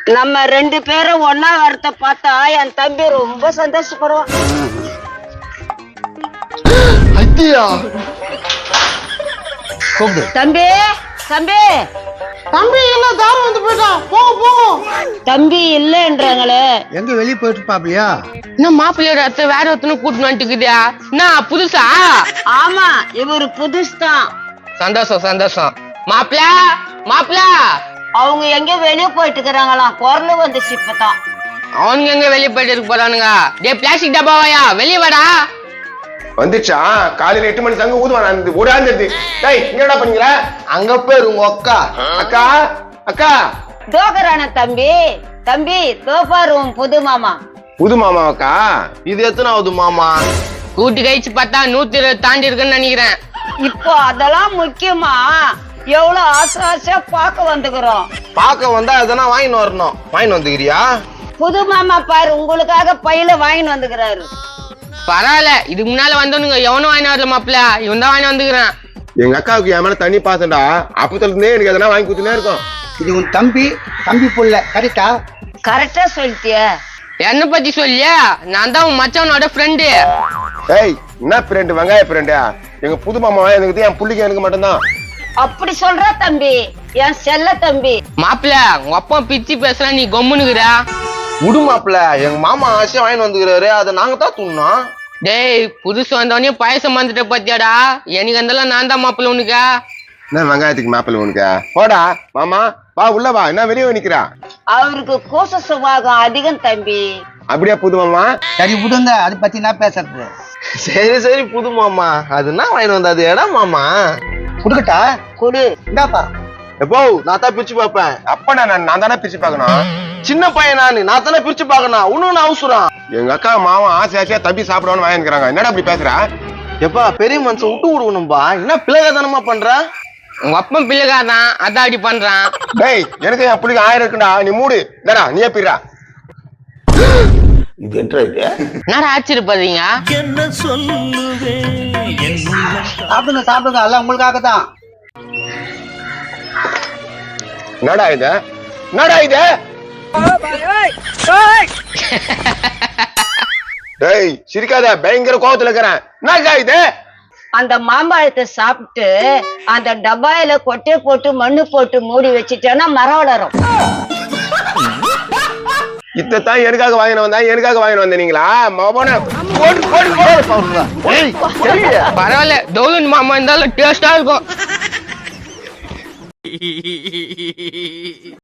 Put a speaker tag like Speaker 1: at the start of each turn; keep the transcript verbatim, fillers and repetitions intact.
Speaker 1: நம்ம ரெண்டு பேரும் ஒன்னா வரத பார்த்தா என் தம்பி ரொம்ப சந்தோஷப்படுவான். தம்பி தம்பி
Speaker 2: தம்பி இல்ல தாரம் வந்து போயிட்டான். போங்க போங்க.
Speaker 1: தம்பி இல்லன்றாங்களே.
Speaker 3: எங்க வெளிய போயிட்டு பாப்பியா?
Speaker 2: என்ன மாப்பிள்ளையோட அத்தை வேற ஒருத்தனை கூட்டிட்டு வந்துட்டுக்குதியா? என்ன புதுசா?
Speaker 1: ஆமா, இவரு புதுசு தான்.
Speaker 2: சந்தோஷம் சந்தோஷம். மாப்பிள்ள மாப்பிள்ள
Speaker 1: அவங்க எங்க வெளிய போயிட்டு இருக்கிறாங்களாம். குரல் வந்துச்சு இப்பதான்.
Speaker 2: அவனுங்க எங்க வெளிய போயிட்டு இருக்க போறானுங்க? டே பிளாஸ்டிக் டப்பாவாயா வெளிய வாடா.
Speaker 4: வந்துச்சா? காலையில எட்டு மணி தங்க ஊதுவான் ஓடாந்துருது. டேய் என்னடா பண்ணீங்களா?
Speaker 3: அங்க பேர் உங்க அக்கா.
Speaker 4: அக்கா அக்கா
Speaker 1: தோக்கறான தம்பி. தம்பி தோப்பாரு உன் புது மாமா.
Speaker 4: புது மாமா அக்கா?
Speaker 3: இது எத்தனாவது மாமா?
Speaker 2: கூட்டி கழிச்சு பார்த்தா நூத்தி இருபது தாண்டி இருக்குன்னு நினைக்கிறேன்.
Speaker 1: இப்போ அதெல்லாம் முக்கியமா? எவ்வளவு ஆசை ஆசையா பார்க்க வந்துக்கிறோம்.
Speaker 3: பாக்க வந்தா எதனா வாங்கிட்டு வரணும். வாங்கிட்டு வந்துக்கிறியா?
Speaker 1: புது மாமா பாரு உங்களுக்காக பையில வாங்கிட்டு வந்துக்கிறாரு.
Speaker 2: பரவாயில்ல, இதுக்கு முன்னால வந்தவனுங்க எவனும் வாங்கி வரல மாப்பிள்ள, இவன் தான் வாங்கி வந்துக்கிறேன்.
Speaker 4: எங்க அக்காவுக்கு என் மேல தண்ணி பாசண்டா. அப்பத்துல இருந்தே எனக்கு எதனா வாங்கி கொடுத்துனே இருக்கும்.
Speaker 3: இது உன் தம்பி தம்பி புள்ள கரெக்டா?
Speaker 1: கரெக்டா சொல்லிட்டிய.
Speaker 2: என்ன பத்தி சொல்லியா? நான் தான் உன் மச்சானோட ஃப்ரெண்டு.
Speaker 4: ஏய் என்ன ஃப்ரெண்டு? வெங்காய ஃப்ரெண்டா? எங்க புது மாமா எனக்கு என் புள்ளிக்கு எனக்கு மட்டும்தான்.
Speaker 1: அப்படி சொல்ற தம்பி, என் செல்ல தம்பி.
Speaker 2: மாப்பிள்ள உங்க அப்பா பிச்சு பேசுற, நீ கொம்முனுக்குற.
Speaker 3: விடு மாப்பிள்ள, எங்க மாமா ஆசையா வாங்கிட்டு வந்துக்கிறாரு, அதை நாங்க தான் துண்ணோம்.
Speaker 2: டேய் புதுசு வந்தவனே பாயசம் வந்துட்ட பத்தியாடா. எனக்கு அந்தெல்லாம் நான் தான் மாப்பிள்ள உனக்கா.
Speaker 4: என்ன வெங்காயத்துக்கு மாப்பிள்ள உனக்கு? போடா மாமா வா உள்ள வா. என்ன வெளியே நிக்கிறா?
Speaker 1: அவருக்கு கோச சுபாகம் அதிகம் தம்பி.
Speaker 4: அப்படியே புது மாமா?
Speaker 3: சரி விடுங்க, அதை பத்தி நான் பேசுறது. சரி சரி புது மாமா, அது என்ன வாங்கிட்டு வந்தா? அது இடம் மாமா குடுக்கட்டா?
Speaker 1: குடு.
Speaker 3: இந்தாப்பா. எப்போ நான் தான் பிரிச்சு பாப்பேன்.
Speaker 4: அப்ப நான் நான் தானே பிரிச்சு பாக்கணும்.
Speaker 3: சின்ன பையன் நானு, நான் தானே பிரிச்சு பாக்கணும். உன்னு அவசரம்.
Speaker 4: எங்க அக்கா மாமா ஆசை ஆசையா தம்பி சாப்பிடணும்னு வாங்கிக்கிறாங்க. என்னடா அப்படி பேசுற?
Speaker 3: எப்பா பெரிய மனுஷன் விட்டு விடுவணும்பா. என்ன பிள்ளைகத்தனமா பண்ற?
Speaker 2: உங்க அப்பன் பிள்ளைக்காதான் அதான் அப்படி பண்றான்.
Speaker 4: டேய் எனக்கு என் பிள்ளைக்கு ஆயிரம் இருக்குடா. நீ மூடு. டா நீயே பிறா.
Speaker 3: இது என்ன இது?
Speaker 2: என்னடா ஆச்சரியப்படுறீங்க?
Speaker 5: என்ன சொல்லுவேன்?
Speaker 3: சாப்பிடுங்க சாப்பிடுங்க, எல்லாம் உங்களுக்காக தான்.
Speaker 4: என்னடா இது? என்னடா இது? டேய் சிரிக்காத, பயங்கர கோவத்துல இருக்கிறேன். என்னடா இது?
Speaker 1: அந்த மாம்பழத்தை சாப்பிட்டு அந்த டப்பாயில கொட்டை போட்டு மண்ணு போட்டு மூடி வச்சுட்டேன்னா மரம் வளரும்.
Speaker 4: இத்தான் எனக்காக வாங்கின வந்தா எனக்காக வாங்கின வந்தீங்களா?
Speaker 2: பரவாயில்ல, டோலன் மாமா இருந்தாலும் டேஸ்டா இருக்கும்.